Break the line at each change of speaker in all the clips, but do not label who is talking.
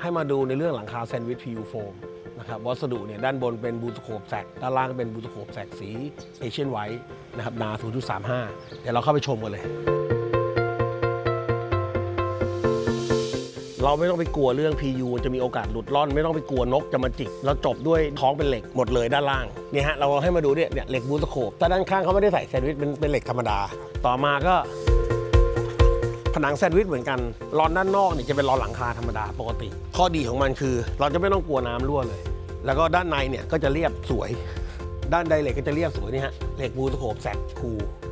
ให้มาดูในเรื่องหลังคาแซนด์วิช PU โฟมนะครับวัสดุเนี่ยด้านบนเป็นบูสโคปแซกด้านล่างเป็นบูสโคปแซกสีเอเชียนไวท์นะครับหนา 0.35 เดี๋ยวเราเข้าไปชมกันเลย เราไม่ต้องไปกลัวเรื่อง PU จะมีโอกาสหลุดร่อนไม่ต้องไปกลัวนกจะมาจิกเราจบด้วยท้องเป็นเหล็กหมดเลยด้านล่างเนี่ยฮะเราให้มาดูเนี่ยเหล็กบูสโคปแต่ด้านข้างเขาไม่ได้ใส่แซนด์วิชเป็นเหล็กธรรมดาต่อมาก็ผนังแซนด์วิชเหมือนกันรอนด้านนอกเนี่ยจะเป็นรอนหลังคาธรรมดาปกติข้อดีของมันคือเราจะไม่ต้องกลัวน้ำรั่วเลยแล้วก็ด้านในเนี่ยก็จะเรียบสวยด้านใดเหล็กก็จะเรียบสวยนี่ฮะเหล็กบูสโคปแซกคู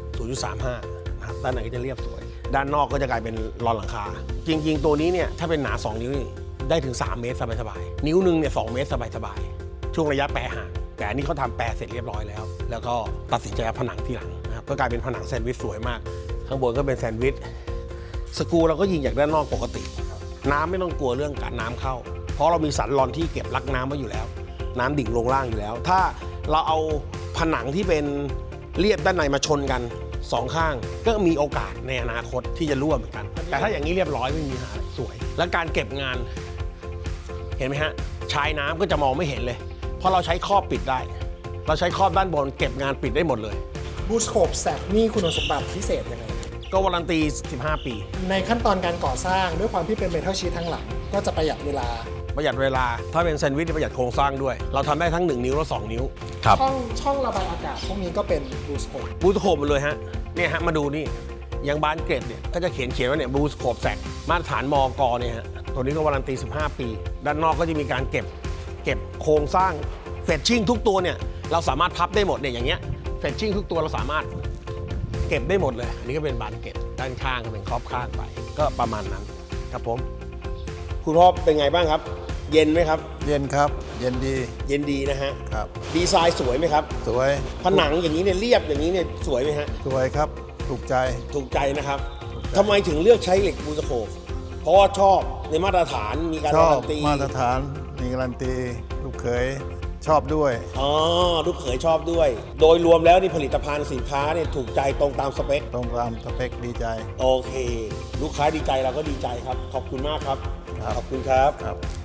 0.35 นะครับด้านในก็จะเรียบสวยด้านนอกก็จะกลายเป็นรอนหลังคาจริงๆตัวนี้เนี่ยถ้าเป็นหนา2 นิ้วนี่ได้ถึง3 เมตรสบายๆนิ้วนึงเนี่ย2 เมตรสบายๆช่วงระยะแปรห่างแต่อันนี้เขาทำแปรเสร็จเรียบร้อยแล้วแล้วก็ตัดสินใจเอาผนังที่หลังนะครับก็กลายเป็นผนังแซนด์วิชสวยมากข้างบนก็เป็นแซนด์วิชสกรูเราก็ยิงจากด้านนอกปกติน้ำไม่ต้องกลัวเรื่องการน้ำเข้าเพราะเรามีสันรอนที่เก็บรักน้ำไว้อยู่แล้วน้ำดิ่งลงล่างอยู่แล้วถ้าเราเอาผนังที่เป็นเรียบด้านในมาชนกัน2 ข้างก็มีโอกาสในอนาคตที่จะรั่วเหมือนกันแต่ถ้าอย่างนี้เรียบร้อยไม่มีปัญหาสวยและการเก็บงานเห็นไหมฮะชายน้ำก็จะมองไม่เห็นเลยเพราะเราใช้ครอบปิดได้เราใช้ครอบด้านบนเก็บงานปิดได้หมดเลย
บูสโคปแซกนี่คุณสมบัติพิเศษยังไง
ก็วารันตี 15 ปี
ในขั้นตอนการก่อสร้างด้วยความที่เป็นเมทัลชีททั้งหลังก็จะประหยัดเวลา
ประหยัดเวลาถ้าเป็นแซนด์วิชประหยัดโครงสร้างด้วยเราทำได้ทั้ง1 นิ้วและ2 นิ้ว
ช่องระบายอากาศพวกนี้ก็เป็นบูสโคป
บูสโคปหมดเลยฮะเนี่ยฮะมาดูนี่อย่างบานเกรดเนี่ยก็จะเขียนว่าเนี่ยบูสโคปแซกมาตรฐานมกเนี่ยฮะตัวนี้ก็วารันตี 15 ปีด้านนอกก็จะมีการเก็บโครงสร้างเฟชชิ่งทุกตัวเนี่ยเราสามารถพับได้หมดเนี่ยอย่างเงี้ยเฟชชิ่งทุกตัวเราสามารถเก็บได้หมดเลยอันนี้ก็เป็นบานเกรดด้านข้างก็เป็นครอบข้างไปก็ประมาณนั้นครับผมคุณพ่อเป็นไงบ้างครับเย็นไหมครับ
เย็นครับเย็นดี
เย็นดีนะฮะ
ครับ
ดีไซน์สวยไหมครับ
สวย
ผนังอย่างนี้เนี่ยเรียบอย่างนี้เนี่ยสวยไหมฮะ
สวยครับถูกใจ
ถูกใจนะครับทำไมถึงเลือกใช้เหล็กบูสโคปเพราะว่าชอบในมาตรฐานมีการ
ช
กา
อบ
รันตี
มาตรฐานมีการันตีลูกเขยชอบด้วย
อ๋อลูกเขยชอบด้วย โดยรวมแล้วนี่ผลิตภัณฑ์สินค้าเนี่ยถูกใจตรงตามสเปค
ตรงตามสเปคดีใจ
โอเค ลูกค้าดีใจเราก็ดีใจครับขอบคุณมากครับ
ครับ
ขอบคุณครับ
ครับ